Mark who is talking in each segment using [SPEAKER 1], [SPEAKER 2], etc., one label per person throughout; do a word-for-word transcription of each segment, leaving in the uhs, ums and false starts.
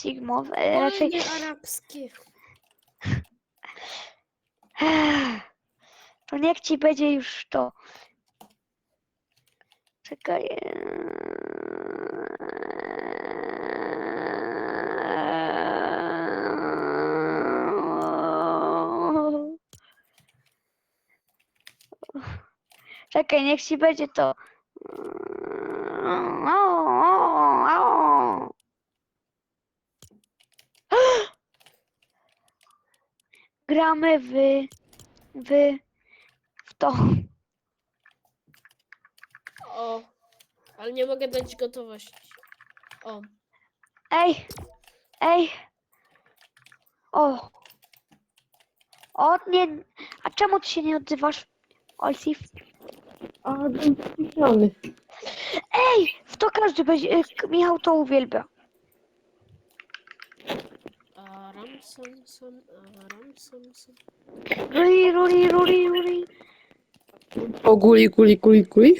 [SPEAKER 1] Sigmo, e, raczej...
[SPEAKER 2] Wojny arabskie.
[SPEAKER 1] To niech ci będzie już to. Czekaj. Czekaj, niech ci będzie to. Gramy w, w, w to.
[SPEAKER 2] O, ale nie mogę dać gotowości. O,
[SPEAKER 1] Ej, ej. O. O, nie. A czemu ty się nie odzywasz, Olsif?
[SPEAKER 3] A, byłem skupiony.
[SPEAKER 1] Ej, w to każdy będzie. y, Michał to uwielbia.
[SPEAKER 2] aram sam sam, aram sam sam.
[SPEAKER 1] Ruli, ruli, ruli, ruli.
[SPEAKER 3] O, guli, guli, guli, guli.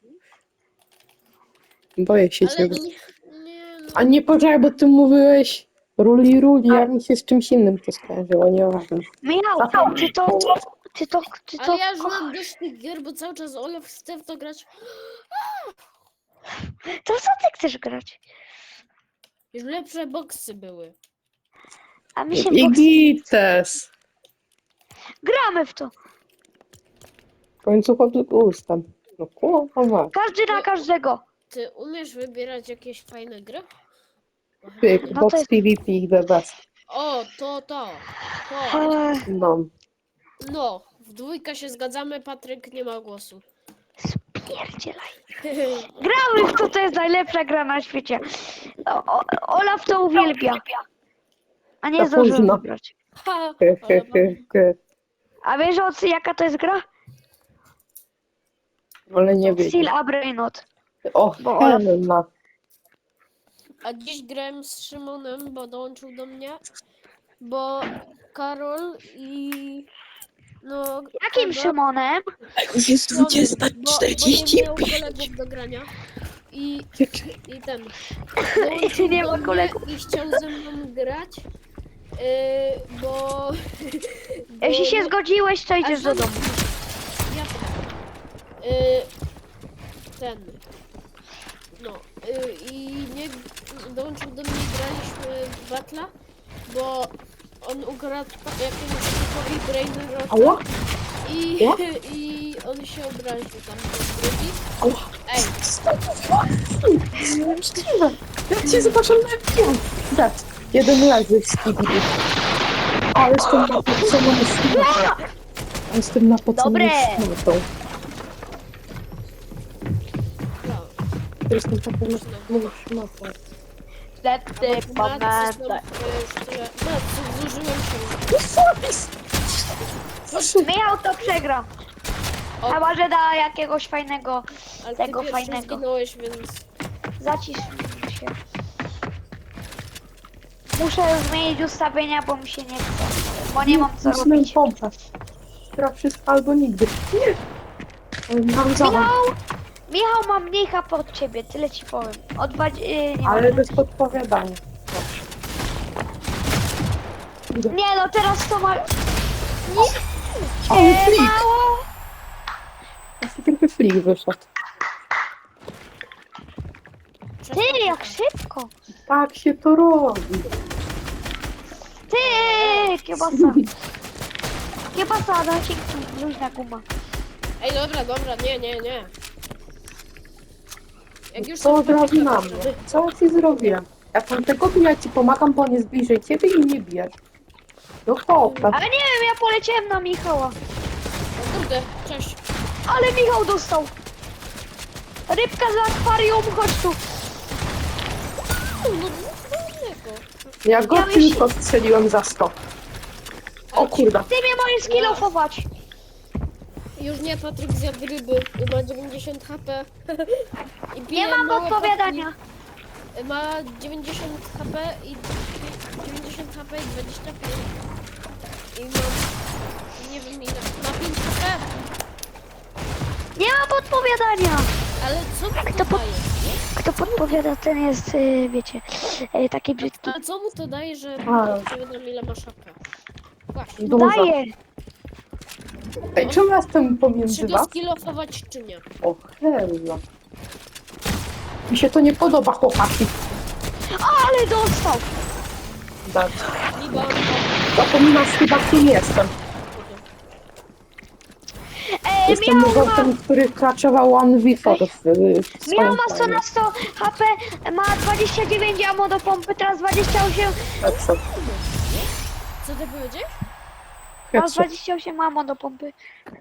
[SPEAKER 3] Boję się
[SPEAKER 2] Ale
[SPEAKER 3] ciebie.
[SPEAKER 2] nie, nie no.
[SPEAKER 3] A nie poczekaj, bo ty mówiłeś ruli, ruli, a mi się z czymś innym to skojarzyło, nieważne.
[SPEAKER 1] Michał, ty to. Ty to. Ty to.
[SPEAKER 2] Ale ja już mam dość tych gier, bo cały czas Olaf chce w to grać.
[SPEAKER 1] To co ty chcesz grać?
[SPEAKER 2] Już lepsze boksy były.
[SPEAKER 1] A mi się
[SPEAKER 3] I
[SPEAKER 1] boks...
[SPEAKER 3] gites.
[SPEAKER 1] Gramy w to.
[SPEAKER 3] W końcu pod ustem. No kurwa.
[SPEAKER 1] Każdy na każdego.
[SPEAKER 2] Ty umiesz wybierać jakieś fajne gry?
[SPEAKER 3] Pyk,
[SPEAKER 1] No to
[SPEAKER 3] box
[SPEAKER 1] jest-
[SPEAKER 3] PvP, the best.
[SPEAKER 2] O, to, to, to.
[SPEAKER 1] Eee,
[SPEAKER 3] No.
[SPEAKER 2] No, w dwójkę się zgadzamy, Patryk nie ma głosu.
[SPEAKER 1] Spierdzielaj. Gramy w to, to jest najlepsza gra na świecie. O, o, Olaf to uwielbia. A nie
[SPEAKER 3] To
[SPEAKER 1] zdążyłem
[SPEAKER 3] późno.
[SPEAKER 1] wybrać.
[SPEAKER 2] Ha,
[SPEAKER 3] He, he,
[SPEAKER 2] ale
[SPEAKER 3] he, he.
[SPEAKER 1] A wiesz o co- jaka to jest gra?
[SPEAKER 3] Ale nie
[SPEAKER 1] Steel
[SPEAKER 3] wiem.
[SPEAKER 1] Abrainot.
[SPEAKER 3] O,
[SPEAKER 1] bo Olaf-
[SPEAKER 3] Helena.
[SPEAKER 2] A dziś grałem z Szymonem, bo dołączył do mnie, bo Karol i no...
[SPEAKER 1] Jakim
[SPEAKER 2] Kuba,
[SPEAKER 1] Szymonem?
[SPEAKER 3] Już jest
[SPEAKER 2] Szymonem, bo, bo nie miał kolegów do grania. I, i ten... dołączył
[SPEAKER 1] Nie
[SPEAKER 2] do
[SPEAKER 1] ma
[SPEAKER 2] mnie
[SPEAKER 1] kolegów.
[SPEAKER 2] I chciał ze mną grać, yy, bo... bo
[SPEAKER 1] Jeśli się
[SPEAKER 2] no-
[SPEAKER 1] zgodziłeś, to idziesz do
[SPEAKER 2] A
[SPEAKER 1] domu.
[SPEAKER 2] Ja yy, ten. No yy, i nie dołączył do mnie, graliśmy w Battle'a, bo on ukradł pa- jakiemuś typowi Brain
[SPEAKER 3] Ała?
[SPEAKER 2] i,
[SPEAKER 3] Ała?
[SPEAKER 2] i on się obraził tam do drugi.
[SPEAKER 3] Ała.
[SPEAKER 2] Ej,
[SPEAKER 3] Niemożliwe. Ja cię zobaczę na film. Tak. Jeden leży z Skibidi. A, jestem na podsamą szmatą. Jestem na podsamą
[SPEAKER 1] Dobre.
[SPEAKER 3] szmatą.
[SPEAKER 2] no.
[SPEAKER 3] Jestem taką podsamą szmatą.
[SPEAKER 1] Wtedy
[SPEAKER 2] Matcy
[SPEAKER 1] pamiętaj.
[SPEAKER 2] są, yy, już tyle. Matcy, zużyłem się.
[SPEAKER 1] Michał to przegra.
[SPEAKER 2] O.
[SPEAKER 1] Chyba, że da jakiegoś fajnego,
[SPEAKER 2] Ale
[SPEAKER 1] tego
[SPEAKER 2] ty pierwszy
[SPEAKER 1] fajnego.
[SPEAKER 2] zginąłeś, więc...
[SPEAKER 1] Zacisz się. Muszę zmienić ustawienia, bo mi się nie chce. Bo nie mam co
[SPEAKER 3] Musimy
[SPEAKER 1] robić.
[SPEAKER 3] pompę. Teraz wszystko albo nigdy. Nie. Ale mam zawód.
[SPEAKER 1] Michał! Michał ma mniej H P od ciebie, tyle ci powiem. O dwa... Yy, nie,
[SPEAKER 3] Ale
[SPEAKER 1] mam.
[SPEAKER 3] bez podpowiadania.
[SPEAKER 1] Nie no, teraz to ma...
[SPEAKER 3] O,
[SPEAKER 1] Nie,
[SPEAKER 3] flik!
[SPEAKER 1] mało!
[SPEAKER 3] Taki trochę flik wyszedł.
[SPEAKER 1] Ty, jak szybko!
[SPEAKER 3] Tak się to robi.
[SPEAKER 1] Ty, kiełbasa. Kiełbasa, dajcie luźna guma.
[SPEAKER 2] Ej, dobra, dobra, nie, nie, nie. Jak już
[SPEAKER 3] Co
[SPEAKER 2] są
[SPEAKER 3] zrobi na
[SPEAKER 2] fakty,
[SPEAKER 3] mnie? Co ci zrobiłem? Jak mam tego, to ja ci pomagam, bo on jest bliżej ciebie i nie bijesz. No chłopak.
[SPEAKER 1] Ale nie wiem, ja poleciałem na Michała.
[SPEAKER 2] O kurde, cześć.
[SPEAKER 1] Ale Michał dostał. Rybka z akwarium, chodź tu.
[SPEAKER 2] No, no, innego.
[SPEAKER 3] Ja go
[SPEAKER 1] Ja myśl-
[SPEAKER 3] tylko strzeliłem za sto. O kurde.
[SPEAKER 1] Ty mnie możesz skillofować.
[SPEAKER 2] Już nie, Patryk zjadł ryby. Ma dziewięćdziesiąt H P. I
[SPEAKER 1] Nie
[SPEAKER 2] pije
[SPEAKER 1] mam
[SPEAKER 2] małe
[SPEAKER 1] podpowiadania.
[SPEAKER 2] potki. Ma dziewięćdziesiąt H P i dziewięćdziesiąt H P i dwadzieścia pięć. I mam... Nie wiem ile. Ma pięć H P.
[SPEAKER 1] Nie mam podpowiadania.
[SPEAKER 2] Ale co mi
[SPEAKER 1] Jak
[SPEAKER 2] to
[SPEAKER 1] to po-
[SPEAKER 2] daje?
[SPEAKER 1] Kto podpowiada, ten jest, y, wiecie, y, taki brzydki.
[SPEAKER 2] A co mu to daje, że
[SPEAKER 3] A.
[SPEAKER 2] ci wiadomo ile masz H P? Właśnie.
[SPEAKER 3] Dużo.
[SPEAKER 1] Daję!
[SPEAKER 3] Ej, czemu ja jestem pomiędzy
[SPEAKER 2] Czy go
[SPEAKER 3] was?
[SPEAKER 2] skillofować, czy nie?
[SPEAKER 3] O, hella. Mi się to nie podoba, chłopaki.
[SPEAKER 1] Ale dostał!
[SPEAKER 3] Dać.
[SPEAKER 2] Liba,
[SPEAKER 3] Zapominam chyba, kim jestem.
[SPEAKER 1] E,
[SPEAKER 3] Jestem
[SPEAKER 1] Michał ma,
[SPEAKER 3] muzeum, który kraczował One V w, w
[SPEAKER 1] Michał
[SPEAKER 3] swoim
[SPEAKER 1] ma sto
[SPEAKER 3] time.
[SPEAKER 1] na sto H P, ma dwadzieścia dziewięć ammo do pompy, teraz dwadzieścia osiem,
[SPEAKER 3] Headshot.
[SPEAKER 2] co ty powiedziałeś?
[SPEAKER 1] ma
[SPEAKER 3] Headshot.
[SPEAKER 1] dwadzieścia osiem ammo do pompy.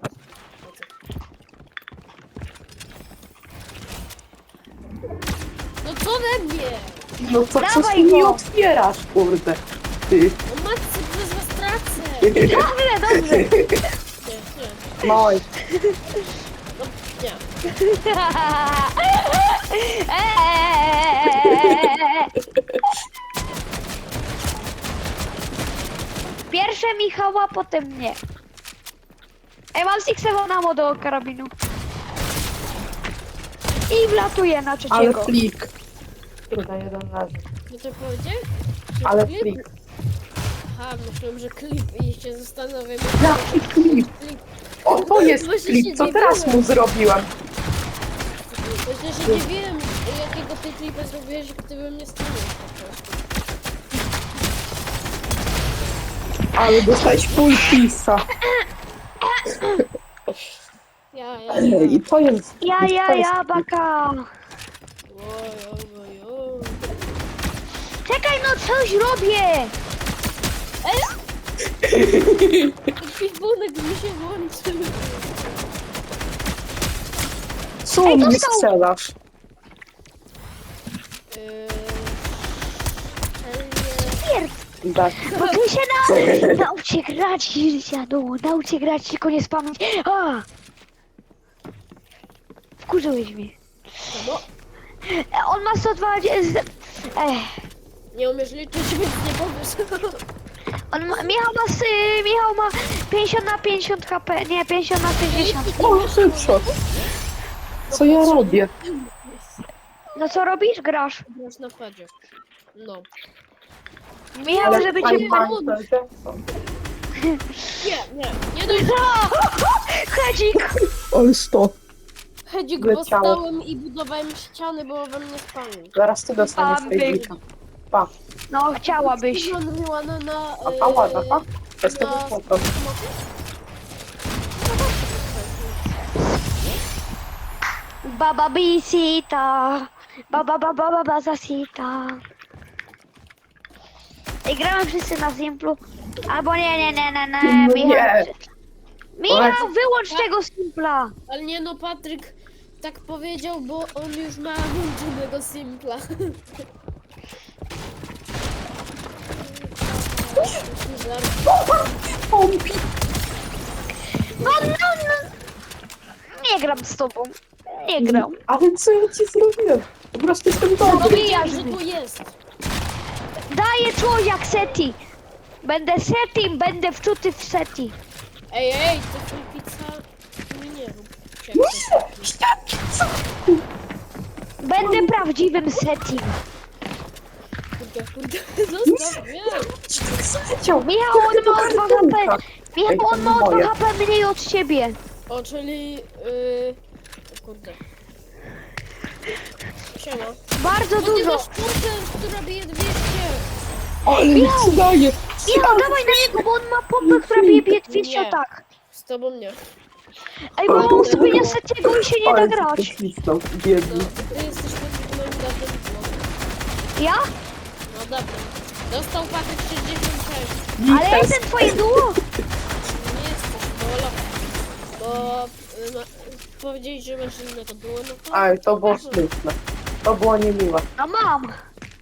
[SPEAKER 2] No co we mnie?
[SPEAKER 3] No to co
[SPEAKER 1] Dawaj
[SPEAKER 3] ty mi
[SPEAKER 1] go.
[SPEAKER 3] otwierasz, kurde? Ty.
[SPEAKER 2] No matce, przez was tracę.
[SPEAKER 1] Dobrze, dobrze.
[SPEAKER 2] Nie, nie,
[SPEAKER 3] No i
[SPEAKER 2] no, nie.
[SPEAKER 1] Pierwsze Michała, potem mnie. Ej, mam sixewo ammo do karabinu. I wlatuję na
[SPEAKER 3] ale
[SPEAKER 1] trzeciego.
[SPEAKER 3] flik. Kurde, jeden leży.
[SPEAKER 2] No to powiedziałeś? Że
[SPEAKER 3] Ale
[SPEAKER 2] klip?
[SPEAKER 3] flik.
[SPEAKER 2] Aha, myślałem, że klip i się zastanawiam.
[SPEAKER 3] Jaki klip?
[SPEAKER 2] Klip.
[SPEAKER 3] O, to jest
[SPEAKER 2] Właśnie
[SPEAKER 3] klip.
[SPEAKER 2] się
[SPEAKER 3] Co
[SPEAKER 2] nie
[SPEAKER 3] teraz
[SPEAKER 2] byłem.
[SPEAKER 3] mu zrobiłem?
[SPEAKER 2] Myślę, że nie wiem, jakiego ty klipa zrobiłeś, gdybym nie stanął po prostu.
[SPEAKER 3] Ale dostałeś full pisa.
[SPEAKER 2] Ja, ja, ja.
[SPEAKER 3] I to jest...
[SPEAKER 1] Ja,
[SPEAKER 3] to
[SPEAKER 1] ja,
[SPEAKER 3] jest
[SPEAKER 1] ja, baka.
[SPEAKER 2] Oj, oj, oj, oj.
[SPEAKER 1] Czekaj, no coś robię.
[SPEAKER 2] Ekwipunek mi się włączył.
[SPEAKER 3] Co
[SPEAKER 1] Ej,
[SPEAKER 3] mnie
[SPEAKER 1] dostał.
[SPEAKER 3] strzelasz?
[SPEAKER 2] Yy,
[SPEAKER 1] Pierd.
[SPEAKER 3] Tak.
[SPEAKER 1] Bo ty się na... nauczcie grać, dziadu. Nauczcie grać, tylko nie spamować. A! Wkurzyłeś mnie.
[SPEAKER 2] no,
[SPEAKER 1] E, On ma sto dwadzieścia... Ech.
[SPEAKER 2] nie umiesz liczyć, więc nie powiesz.
[SPEAKER 1] On ma... Michał ma... s- y, Michał ma pięćdziesiąt na pięćdziesiąt H P. Nie, pięćdziesiąt na sześćdziesiąt.
[SPEAKER 3] O, headshot. Co ja robię?
[SPEAKER 1] No co robisz? Grasz.
[SPEAKER 2] Grasz na padzie. No.
[SPEAKER 1] Michał, żeby cię...
[SPEAKER 3] Fajnie, fajnie, Jackson.
[SPEAKER 2] Nie, nie, nie dość.
[SPEAKER 1] Hedzik!
[SPEAKER 3] Ale sto.
[SPEAKER 2] Hedzik,
[SPEAKER 3] Leciało.
[SPEAKER 2] bo stałem i budowałem ściany, bo we mnie spalił.
[SPEAKER 3] Zaraz ty dostaniesz
[SPEAKER 1] Tam
[SPEAKER 3] tej
[SPEAKER 1] był.
[SPEAKER 3] dzika. Pa.
[SPEAKER 1] No, chciałabyś.
[SPEAKER 2] Wyłączyła na... na
[SPEAKER 3] A pa, ładna, pa. Jestem
[SPEAKER 2] na-
[SPEAKER 3] spoko.
[SPEAKER 1] Baba bisita. Baba baba baba zasita. I gramy wszyscy na Simplu. Albo nie, nie, nie, nie, nie.
[SPEAKER 3] No
[SPEAKER 1] Michał,
[SPEAKER 3] nie.
[SPEAKER 1] Michał, wyłącz tego Simpla.
[SPEAKER 2] Ale nie no, Patryk tak powiedział, bo on już ma włączonego Simpla.
[SPEAKER 3] Pompi.
[SPEAKER 1] No, no, no. Nie gram z tobą. Nie gram.
[SPEAKER 3] Ale co ja ci zrobiłem? Po prostu jestem dobry.
[SPEAKER 2] Powiedział, że tu jest.
[SPEAKER 1] Daję człowiek seti. Będę setim, będę wczuty w seti.
[SPEAKER 2] Ej, ej, to twój pizza mi nie rób.
[SPEAKER 3] Nie, jaki co?
[SPEAKER 1] Będę prawdziwym setim.
[SPEAKER 2] Kurde, kurde, zostaw mnie.
[SPEAKER 3] Ci tak zleciał.
[SPEAKER 1] Michał, on ma o dwa H P. Michał, on ma o
[SPEAKER 3] moje.
[SPEAKER 1] dwa H P mniej od ciebie.
[SPEAKER 2] O, czyli... Yy... O kurde. Siema.
[SPEAKER 1] Bardzo
[SPEAKER 2] Bo ty
[SPEAKER 1] dużo.
[SPEAKER 2] masz kurtę, która bije dwieście.
[SPEAKER 3] Ale mi
[SPEAKER 1] Michał.
[SPEAKER 3] daje.
[SPEAKER 1] Michał, dawaj na niego, bo on ma pompę, która bije bije dwieście
[SPEAKER 2] Nie.
[SPEAKER 1] tak.
[SPEAKER 2] Z tobą nie.
[SPEAKER 1] Ej, bo on ustawienia setiego i się nie da grać.
[SPEAKER 2] No,
[SPEAKER 3] Biedny.
[SPEAKER 2] ty jesteś pod moim datem. No,
[SPEAKER 1] Ja?
[SPEAKER 2] no dobra. Dostał Patryk sześćdziesiąt sześć.
[SPEAKER 1] Ale ja jestem twoje duo.
[SPEAKER 2] Nie jesteś, bo... Bo... Y, ma, powiedzieli, że masz innego duo, no to...
[SPEAKER 3] Aj, to było smutne. To było niemiłe.
[SPEAKER 1] No mam.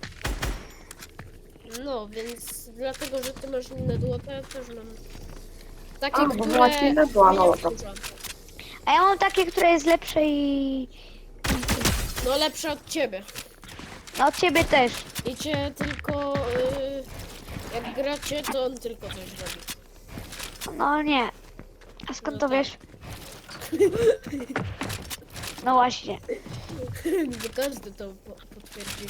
[SPEAKER 2] No, więc dlatego, że ty masz inne duo, to ja też mam. Takie,
[SPEAKER 3] A, bo
[SPEAKER 2] które...
[SPEAKER 3] masz inne duo, no
[SPEAKER 2] mnie
[SPEAKER 3] dobra.
[SPEAKER 2] wkurza.
[SPEAKER 1] A ja mam takie, które jest lepsze i...
[SPEAKER 2] No lepsze od ciebie.
[SPEAKER 1] No od ciebie też.
[SPEAKER 2] I cię tylko... Y, jak gracie, to on tylko coś robi.
[SPEAKER 1] No nie. A skąd to wiesz? No właśnie.
[SPEAKER 2] Nie każdy to po- potwierdzi.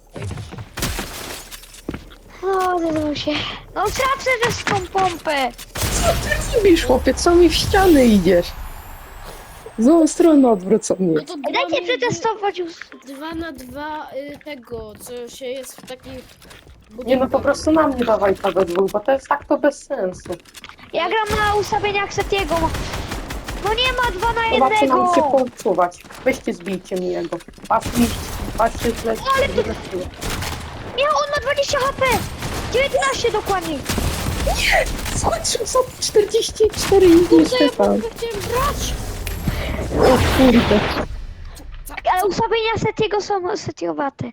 [SPEAKER 1] O, zdarzyło się. No tracę też tą pompę.
[SPEAKER 3] Co ty robisz, chłopie? Co mi w ścianę idziesz? W złą stronę odwrócą mnie.
[SPEAKER 2] No to dwa,
[SPEAKER 1] Dajcie
[SPEAKER 2] mi-
[SPEAKER 1] przetestować już.
[SPEAKER 2] dwa na dwa y, tego, co się jest w takich
[SPEAKER 3] Nie no,
[SPEAKER 2] budynkach.
[SPEAKER 3] po prostu na mnie dawaj to we dwóch, bo to jest tak to bez sensu.
[SPEAKER 1] Ja gram na ustawieniach Setiego. No nie ma dwa na
[SPEAKER 3] Zobaczy
[SPEAKER 1] jednego.
[SPEAKER 3] nam się poczuwać. Weźcie, zbijcie mi jego. Patrzcie, patrzcie, źle.
[SPEAKER 1] Ale ty- Miał, on ma dwadzieścia H P. dziewiętnaście dokładnie.
[SPEAKER 3] Skończył sobie czterdzieści cztery i
[SPEAKER 2] Kurde, ja
[SPEAKER 3] Stefan.
[SPEAKER 2] pompkę chciałem brać!
[SPEAKER 3] O kurde.
[SPEAKER 1] Ale ustawienia Setiego są setiowate.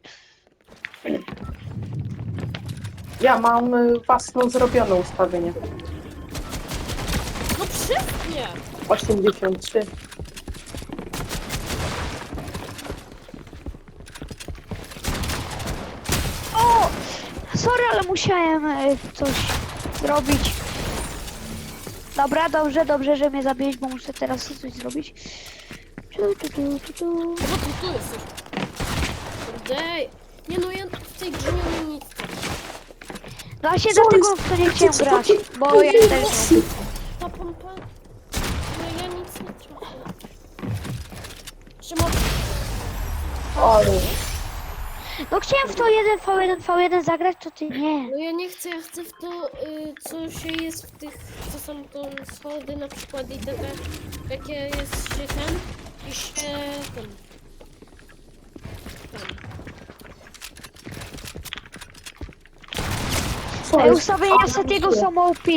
[SPEAKER 3] Ja mam y, własną zrobione ustawienie.
[SPEAKER 2] No przypnie!
[SPEAKER 3] osiemdziesiąt trzy.
[SPEAKER 1] O! Sorry, ale musiałem e, coś zrobić. Dobra, dobrze, dobrze, że mnie zabiłeś, bo muszę teraz coś zrobić. Tu, tu, tu, tu, tu.
[SPEAKER 2] No bo ty tu jesteś. Kurde. Nie no, ja w tej grze nie mam nic.
[SPEAKER 1] No właśnie
[SPEAKER 3] Co
[SPEAKER 1] dlatego
[SPEAKER 3] jest?
[SPEAKER 1] w to nie chciałem
[SPEAKER 3] Co
[SPEAKER 1] grać,
[SPEAKER 3] ty-
[SPEAKER 1] bo ja
[SPEAKER 3] ty-
[SPEAKER 1] też...
[SPEAKER 2] Ta pompa... No ja nic nie trafię. Szymon,
[SPEAKER 3] Ale...
[SPEAKER 1] No chciałem w to jeden v jeden v jeden zagrać, to ty nie.
[SPEAKER 2] no ja nie chcę, ja chcę w to, y, co się jest w tych, co są to schody na przykład i takie, jakie jest się ten, i się ten, ten.
[SPEAKER 3] Co
[SPEAKER 1] Ej,
[SPEAKER 3] jest?
[SPEAKER 1] ustawienia
[SPEAKER 3] A,
[SPEAKER 1] Setiego
[SPEAKER 3] nie.
[SPEAKER 1] są O P.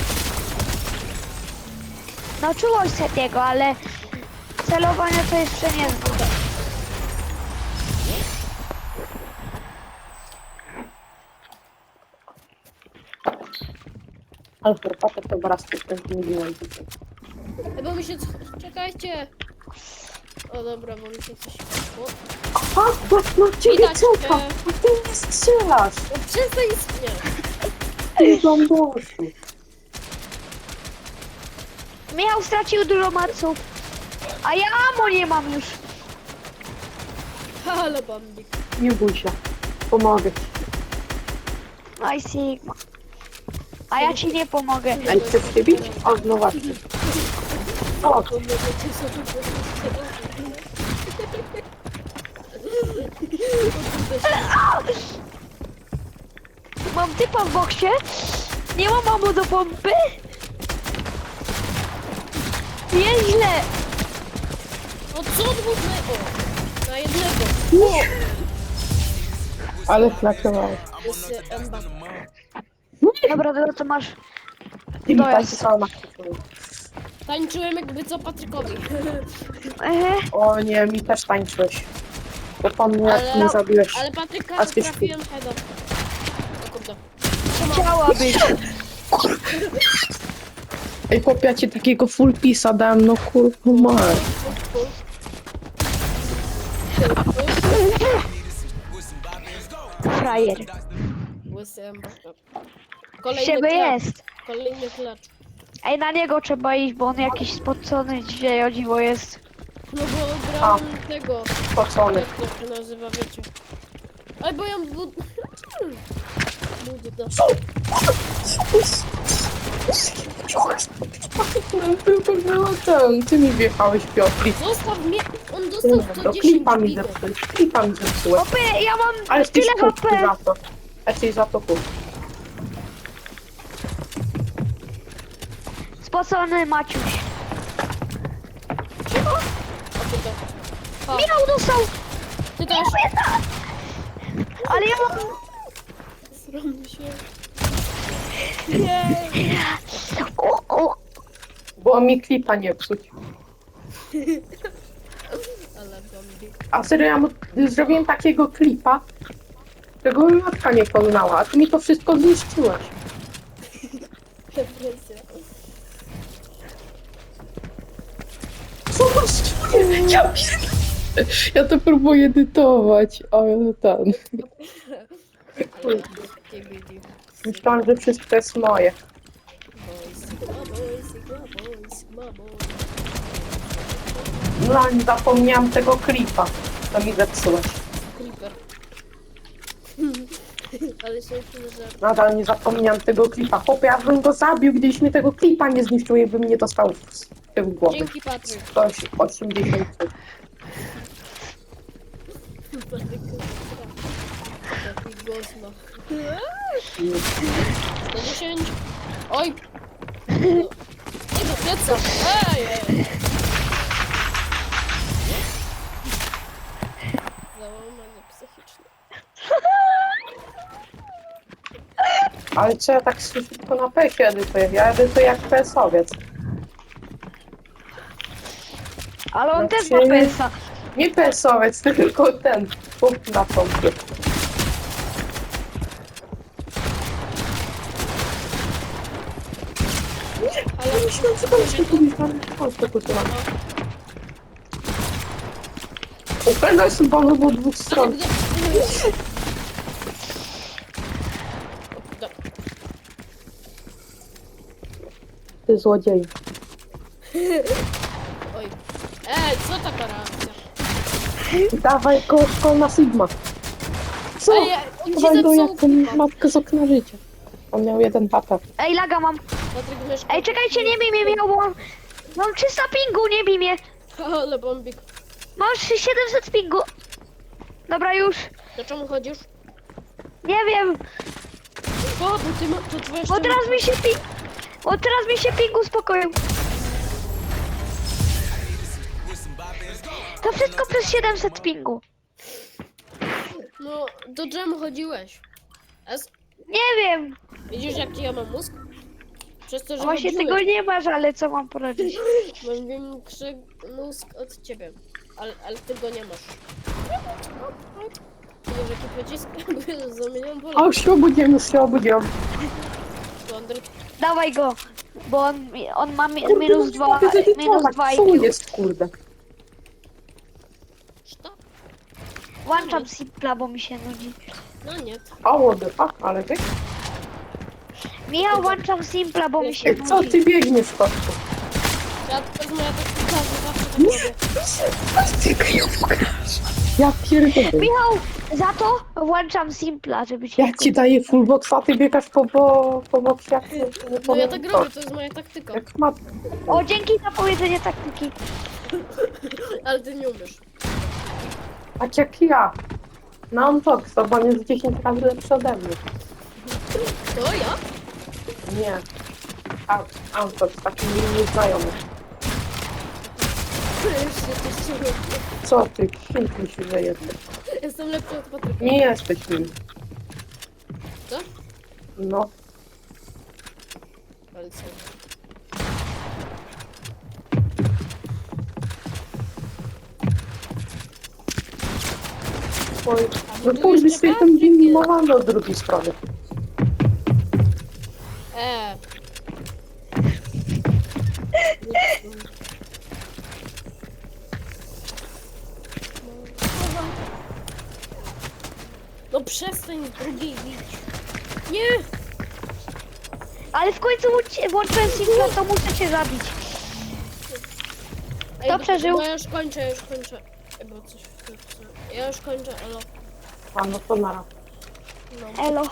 [SPEAKER 1] Nauczyłoś Setiego, ale celowanie to jeszcze nie jest.
[SPEAKER 3] Ale herbatę to raz nie mówiłem.
[SPEAKER 2] Ej, bo mi się, co- czekajcie. O dobra, bo mi się coś, o,
[SPEAKER 3] A, no, no ciebie
[SPEAKER 2] Widać
[SPEAKER 3] cofa!
[SPEAKER 2] cię.
[SPEAKER 3] A ty nie strzelasz!
[SPEAKER 2] no przestań istnieć.
[SPEAKER 3] Ty bamboszu!
[SPEAKER 1] Michał stracił dużo maców. A ja amo nie mam już.
[SPEAKER 2] Ale bambik.
[SPEAKER 3] Nie bój się. Pomogę ci.
[SPEAKER 1] Aj Sigma. A ja ci nie pomogę.
[SPEAKER 3] Ej, chcesz się bić? O, no właśnie. O,
[SPEAKER 2] To mogę cię sobie
[SPEAKER 1] Mam typa w boksie. Nie mam amo do pompy. Nieźle.
[SPEAKER 2] O co dwóch na... O, na jednego.
[SPEAKER 3] ale flaczowałeś.
[SPEAKER 2] Jest y, Emba.
[SPEAKER 1] Dobra, dobra, to masz.
[SPEAKER 3] Ty mi
[SPEAKER 1] To
[SPEAKER 3] tak
[SPEAKER 1] jest.
[SPEAKER 3] sama.
[SPEAKER 2] Tańczyłem jakby co Patrykowi.
[SPEAKER 1] Ehe.
[SPEAKER 3] O nie, mi też tańczyłeś. To po mnie jak
[SPEAKER 2] Ale-
[SPEAKER 3] mnie zabiłeś.
[SPEAKER 2] Ale Patryka
[SPEAKER 3] A ty
[SPEAKER 2] trafiłem heada. O kurde.
[SPEAKER 1] Chciałabyś.
[SPEAKER 3] Ej, chłopie, ja ci takiego full pisa dałem, no kurwa mać.
[SPEAKER 1] Frajer.
[SPEAKER 2] Łysy Emba.
[SPEAKER 1] Z
[SPEAKER 2] Kolejny
[SPEAKER 1] ciebie
[SPEAKER 2] klacz.
[SPEAKER 1] jest.
[SPEAKER 2] Kolejny klacz.
[SPEAKER 1] Ej, na niego trzeba iść, bo on jakiś spocony dzisiaj o dziwo jest.
[SPEAKER 2] No bo grałem tego.
[SPEAKER 3] Spocony.
[SPEAKER 2] Jak to się nazywa, wiecie. Ej, bo ja bud... Budda.
[SPEAKER 3] Ten, ty mi wjechałeś, Piotr.
[SPEAKER 2] Zostaw mnie! On dostał sto
[SPEAKER 3] To
[SPEAKER 2] dziesięć
[SPEAKER 3] klipa mi
[SPEAKER 2] bigów.
[SPEAKER 3] zepsułeś, klipa mi zepsułeś.
[SPEAKER 1] Opy, ja mam
[SPEAKER 3] Ale jesteś
[SPEAKER 1] tyle
[SPEAKER 3] kupny
[SPEAKER 1] H P.
[SPEAKER 3] za to. Jesteś za to kupny.
[SPEAKER 1] Spocony Maciuś.
[SPEAKER 2] O kurde. O,
[SPEAKER 1] Michał dostał.
[SPEAKER 2] ty też.
[SPEAKER 1] Ale ja mam...
[SPEAKER 2] Zrobił się. Nie.
[SPEAKER 1] O, o.
[SPEAKER 3] Bo mi klipa nie psuć.
[SPEAKER 2] Ale zombie.
[SPEAKER 3] A serio, ja mu zrobiłem takiego klipa, którego mi matka nie poznała, a ty mi to wszystko zniszczyłeś.
[SPEAKER 2] Depresja.
[SPEAKER 3] Zobacz, ja, ja to próbuję edytować, ale ten.
[SPEAKER 2] Ale takie bigi.
[SPEAKER 3] Myślałam, że wszystko jest moje.
[SPEAKER 2] Boy, Sigma boy, Sigma boy, Sigma boy.
[SPEAKER 3] No, nie zapomniałam tego klipa. To mi zepsułeś.
[SPEAKER 2] Creeper. Ale się że...
[SPEAKER 3] Nadal nie zapomniałam tego klipa. Chłopie, ja bym go zabił, gdybyś mi tego klipa nie zniszczył i bym nie dostał w tył głowy.
[SPEAKER 2] Dzięki, Patryk.
[SPEAKER 3] Ktoś osiemdziesiąt.
[SPEAKER 2] Patryk, taki głos ma. sto dziesięć. Oj! Nie do pieca! Ej! ej. Załamanie psychiczne.
[SPEAKER 3] Ale co ja tak szybko na pesie edytuję? Ja edytuję jak P S owiec.
[SPEAKER 1] Ale on
[SPEAKER 3] No
[SPEAKER 1] też
[SPEAKER 3] czy-
[SPEAKER 1] ma pensa.
[SPEAKER 3] Nie P S owiec, tylko ten. Punkt na pompie.
[SPEAKER 2] Ale
[SPEAKER 3] Myślałem, że to jest tylko tam Polskę kupiłam. Upewniam się panu po dwóch stron.
[SPEAKER 2] Do-
[SPEAKER 3] Ty złodzieju.
[SPEAKER 2] Oj. Ej, co taka reakcja?
[SPEAKER 3] Dawaj go szkolna Sigma. Co?
[SPEAKER 2] Ej, on ci
[SPEAKER 3] Dawaj go
[SPEAKER 2] zepsuł
[SPEAKER 3] jak ten matkę z okna życia. On miał jeden H P.
[SPEAKER 1] Ej, laga mam.
[SPEAKER 2] Patryk myszka.
[SPEAKER 1] Ej, czekajcie, nie bij mnie, miał, bo mam... Mam trzysta pingu, nie bij mnie.
[SPEAKER 2] Ale bombik.
[SPEAKER 1] Mam siedemset pingu. Dobra, już.
[SPEAKER 2] Do czemu chodzisz?
[SPEAKER 1] Nie wiem,
[SPEAKER 2] O, bo ty ma... To twoja
[SPEAKER 1] bo teraz mi się ping... Bo teraz mi się ping uspokoił. To wszystko przez siedemset pingu.
[SPEAKER 2] No, do dżemu chodziłeś. S?
[SPEAKER 1] Nie wiem.
[SPEAKER 2] Widzisz, jaki ja mam mózg? Przez to, że
[SPEAKER 1] Właśnie
[SPEAKER 2] chodziłeś.
[SPEAKER 1] tego nie masz, ale co mam poradzić?
[SPEAKER 2] Mam większy mózg od ciebie. Ale, ale ty go nie masz. Widzisz, jaki pocisk? Zamieniam pole.
[SPEAKER 3] O, się obudziłem, się obudziłem.
[SPEAKER 2] Wonder...
[SPEAKER 1] Dawaj go. Bo on, on ma mi, minus dwa, minus dwa
[SPEAKER 3] Co
[SPEAKER 1] I Q.
[SPEAKER 3] jest, kurde?
[SPEAKER 2] Sztab?
[SPEAKER 1] Włączam simpla, bo mi się nudzi.
[SPEAKER 2] No nie.
[SPEAKER 3] O, what the fuck, ale ty?
[SPEAKER 1] Michał, włączam simpla, bo mi się
[SPEAKER 3] Ej, co
[SPEAKER 1] nudzi.
[SPEAKER 3] ty biegniesz, kotku?
[SPEAKER 2] Ja to jest moja taktyka, że zawsze tak robię.
[SPEAKER 3] Ja pierdolę.
[SPEAKER 1] Michał, za to włączam simpla, żeby się...
[SPEAKER 3] Ja ci daję full box, a ty biegasz po, po, po boxie, jak nie
[SPEAKER 2] No ja
[SPEAKER 3] powiem
[SPEAKER 2] tak
[SPEAKER 3] co.
[SPEAKER 2] robię, to jest moja taktyka.
[SPEAKER 3] Jak mat...
[SPEAKER 1] O, dzięki za powiedzenie taktyki.
[SPEAKER 2] Ale ty nie umiesz.
[SPEAKER 3] Tak jak ja. Na Untox, bo on jest dziesięć razy lepszy ode mnie.
[SPEAKER 2] To ja?
[SPEAKER 3] Nie. A, Untox, taki mi nieznajomy.
[SPEAKER 2] Jeszcze coś robię.
[SPEAKER 3] Co ty? Kim ty się że jesteś?
[SPEAKER 2] Jestem lepszy od Patryka.
[SPEAKER 3] Nie jesteś nim.
[SPEAKER 2] Co?
[SPEAKER 3] No.
[SPEAKER 2] Ale co?
[SPEAKER 3] Oj,
[SPEAKER 2] A
[SPEAKER 3] no
[SPEAKER 2] tu
[SPEAKER 3] pójdź
[SPEAKER 2] jeszcze
[SPEAKER 3] sobie tam
[SPEAKER 2] Patryk
[SPEAKER 3] winni
[SPEAKER 2] jest.
[SPEAKER 3] mowamy od drugiej strony.
[SPEAKER 2] Eee. No przestań z drugiej bić. Nie!
[SPEAKER 1] Ale w końcu włączy- włączyłem simpla, to muszę cię zabić.
[SPEAKER 2] Ej,
[SPEAKER 1] Kto przeżył?
[SPEAKER 2] Bo ja już kończę, ja już kończę. Ej, bo coś... Ja już kończę, elo.
[SPEAKER 3] A no to nara.
[SPEAKER 2] No,
[SPEAKER 1] Elo.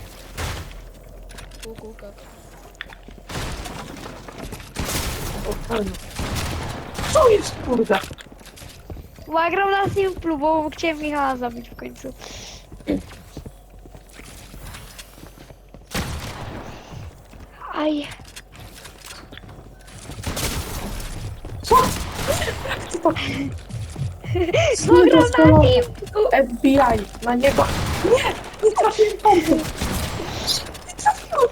[SPEAKER 2] kukułka.
[SPEAKER 3] O, fajnie. Co jest, kurde?
[SPEAKER 1] Bo ja gram na simplu, bo chciałem Michała zabić w końcu. Aj.
[SPEAKER 3] Co? Co to?
[SPEAKER 1] Bo gram na
[SPEAKER 3] Doskonale.
[SPEAKER 1] simplu.
[SPEAKER 3] F B I, na niego. Nie, nie trafiłem pompy. Nie trafiłem.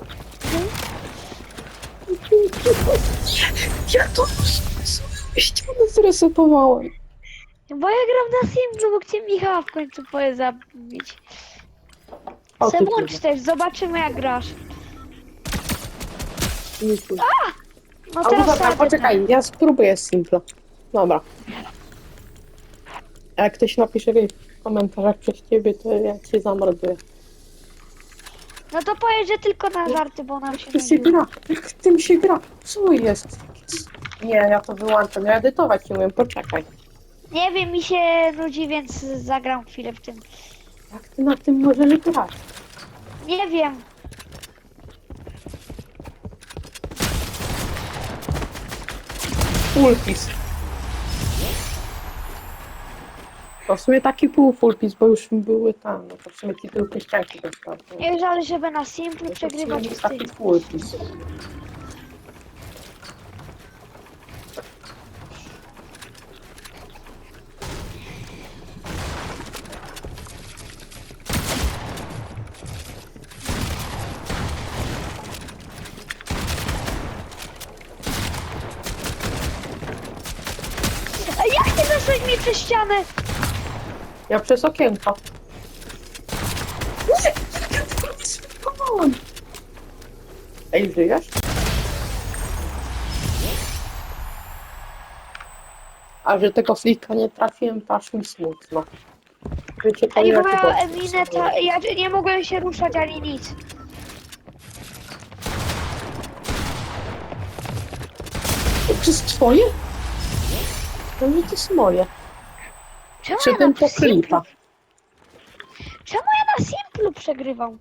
[SPEAKER 3] Ja to ścianę zresetowałem.
[SPEAKER 1] Bo ja gram na simplu, bo chciałem Michała w końcu poje zabić.
[SPEAKER 3] O,
[SPEAKER 1] Se
[SPEAKER 3] ty
[SPEAKER 1] włącz
[SPEAKER 3] kurde.
[SPEAKER 1] też, zobaczymy jak grasz.
[SPEAKER 3] Nie kurde.
[SPEAKER 1] No
[SPEAKER 3] A
[SPEAKER 1] teraz
[SPEAKER 3] dobra,
[SPEAKER 1] sobie
[SPEAKER 3] poczekaj, ja spróbuję z Simpla. Dobra. A jak ktoś napisze w komentarzach przez ciebie, to ja cię zamorduję.
[SPEAKER 1] No to powiedz, że tylko na żarty, bo nam się
[SPEAKER 3] Jak to się
[SPEAKER 1] nudzi.
[SPEAKER 3] gra? Jak w tym się gra? Co jest? Nie, ja to wyłączam. Ja edytować nie umiem, poczekaj.
[SPEAKER 1] Nie wiem, mi się nudzi, więc zagram chwilę w tym.
[SPEAKER 3] Jak ty na tym możesz grać?
[SPEAKER 1] Nie wiem.
[SPEAKER 3] Fullpis. To w sumie taki pół fullpis, bo już były tam, no to w sumie ci tylko ścianki dostarczą.
[SPEAKER 1] Nie żal, żeby na simplu
[SPEAKER 3] To w sumie
[SPEAKER 1] przegrywać
[SPEAKER 3] jest
[SPEAKER 1] w tym.
[SPEAKER 3] taki fullpis.
[SPEAKER 1] A jak ty weszłeś mi przez ścianę?
[SPEAKER 3] Ja przez okienko. Nie! Come on! Ej, żyjesz? A że tego flika nie trafiłem, to aż mi smutno. Wiecie, to
[SPEAKER 1] Ej,
[SPEAKER 3] ja
[SPEAKER 1] bo
[SPEAKER 3] chyba
[SPEAKER 1] miała Emineta, ja nie mogłem się ruszać ani nic.
[SPEAKER 3] To jest twoje? To nie to jest moje.
[SPEAKER 1] Czemu
[SPEAKER 3] Czy
[SPEAKER 1] ja
[SPEAKER 3] ten
[SPEAKER 1] na
[SPEAKER 3] po
[SPEAKER 1] simplu,
[SPEAKER 3] klipa?
[SPEAKER 1] czemu ja na simplu przegrywam?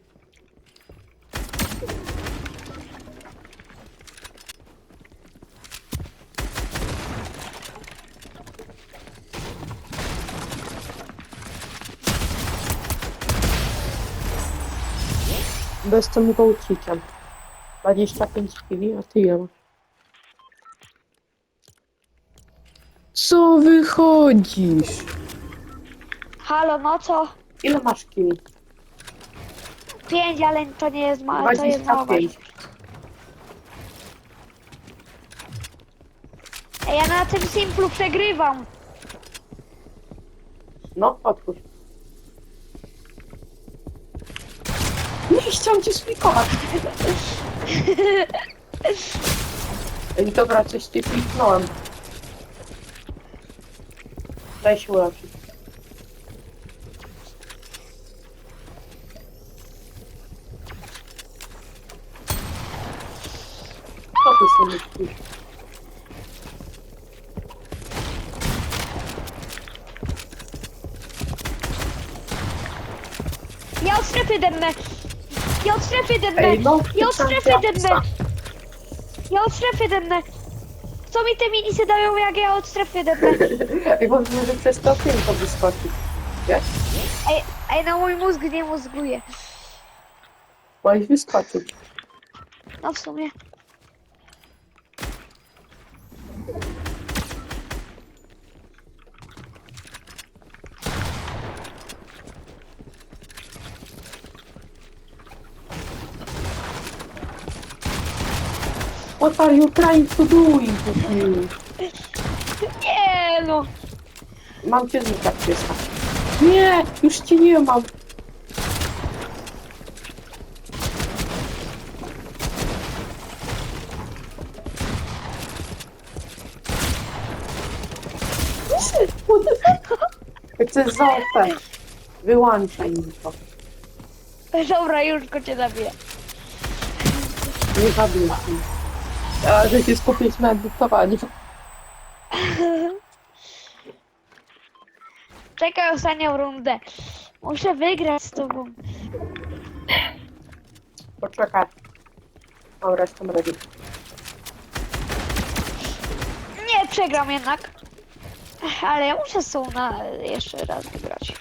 [SPEAKER 3] Bo jestem gołcikiem. dwadzieścia pięć kili, a ty ile masz? Co wychodzisz?
[SPEAKER 1] Halo, no co?
[SPEAKER 3] Ile masz kili?
[SPEAKER 1] Pięć, ale to nie jest małe, to jest
[SPEAKER 3] dwadzieścia
[SPEAKER 1] mała.
[SPEAKER 3] pięć.
[SPEAKER 1] Ej, ja na tym simplu przegrywam.
[SPEAKER 3] No, otwórz. Nie chciałem cię splikować. Ej, dobra, coś ci kliknąłem. Daj się uleczyć. Co ty sobie myślisz?
[SPEAKER 1] Ja od strefy dennę. Ja od strefy dennę.
[SPEAKER 3] Ej, no,
[SPEAKER 1] Ja od
[SPEAKER 3] ty
[SPEAKER 1] strefy
[SPEAKER 3] champion.
[SPEAKER 1] dennę. Ja od strefy dennę. Co mi te minisy dają, jak ja od strefy dennę?
[SPEAKER 3] Ej, bo może przez to okienko wyskoczyć. Wiesz?
[SPEAKER 1] Ej, ej, no mój mózg nie mózguje.
[SPEAKER 3] Możesz wyskoczyć.
[SPEAKER 1] No w sumie.
[SPEAKER 3] What are you trying to do? You?
[SPEAKER 1] Nie no.
[SPEAKER 3] Mam cię znikać, pieska. Nie, już cię nie mam. What the fuck? To jest za O P. Wyłączaj mi to.
[SPEAKER 1] Dobra, już go cię zabiję.
[SPEAKER 3] Nie zabiję ci. Ja, że się skupić na edytowaniu.
[SPEAKER 1] Czekaj ostatnią rundę. Muszę wygrać z tobą.
[SPEAKER 3] Poczekaj. Dobra, jestem ready.
[SPEAKER 1] Nie, przegram jednak. Ale ja muszę z tą na jeszcze raz wygrać.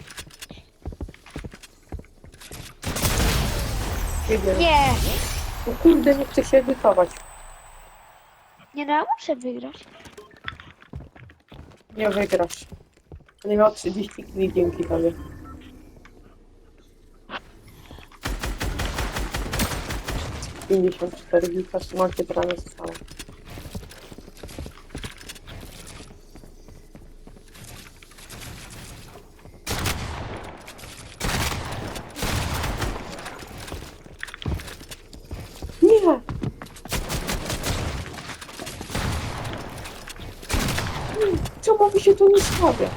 [SPEAKER 3] Idę.
[SPEAKER 1] Nie,
[SPEAKER 3] O kurde, nie chcę się edytować.
[SPEAKER 1] nie no, ja muszę wygrać.
[SPEAKER 3] Nie wygrasz. Nie miał trzydzieści kili dzięki tobie. pięćdziesiąt cztery gita, trzymajcie prawie zostało. Nie! Czemu mi się to nie stawia?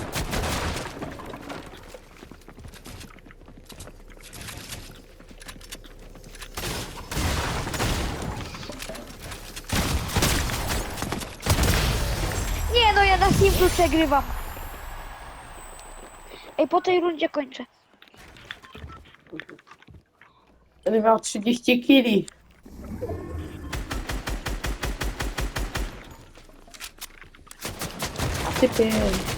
[SPEAKER 1] Team przegrywa. Ej, po tej rundzie kończę.
[SPEAKER 3] Będę miał trzydzieści kili. A ty pięć.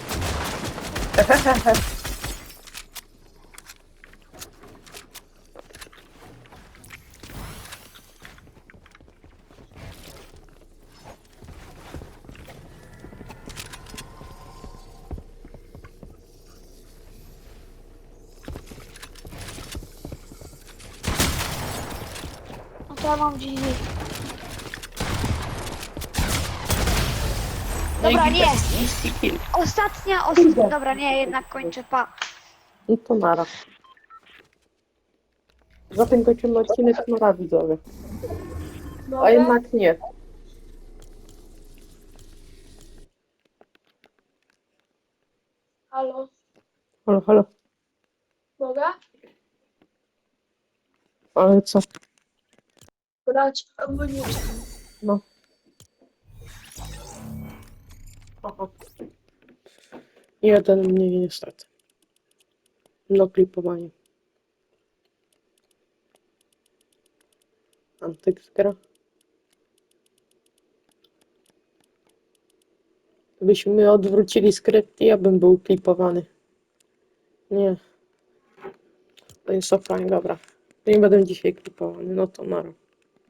[SPEAKER 1] No to ja mam G G. Dobra, nie.
[SPEAKER 3] trzydzieści kili.
[SPEAKER 1] Ostatnia, os...
[SPEAKER 3] Kurde.
[SPEAKER 1] Dobra, nie, jednak kończę, pa.
[SPEAKER 3] No to nara. Za tym kończymy odcinek, nara widzowie. A jednak nie.
[SPEAKER 4] Halo,
[SPEAKER 3] Halo, halo.
[SPEAKER 4] mogę?
[SPEAKER 3] Ale co?
[SPEAKER 4] Brać amunicję.
[SPEAKER 3] No. Aha. Jeden mniej niestety. No klipowanie. Antyk gra. Gdybyśmy odwrócili skrypt, ja bym był klipowany. Nie. To jest offline, dobra. To nie będę dzisiaj klipowany, no to nara.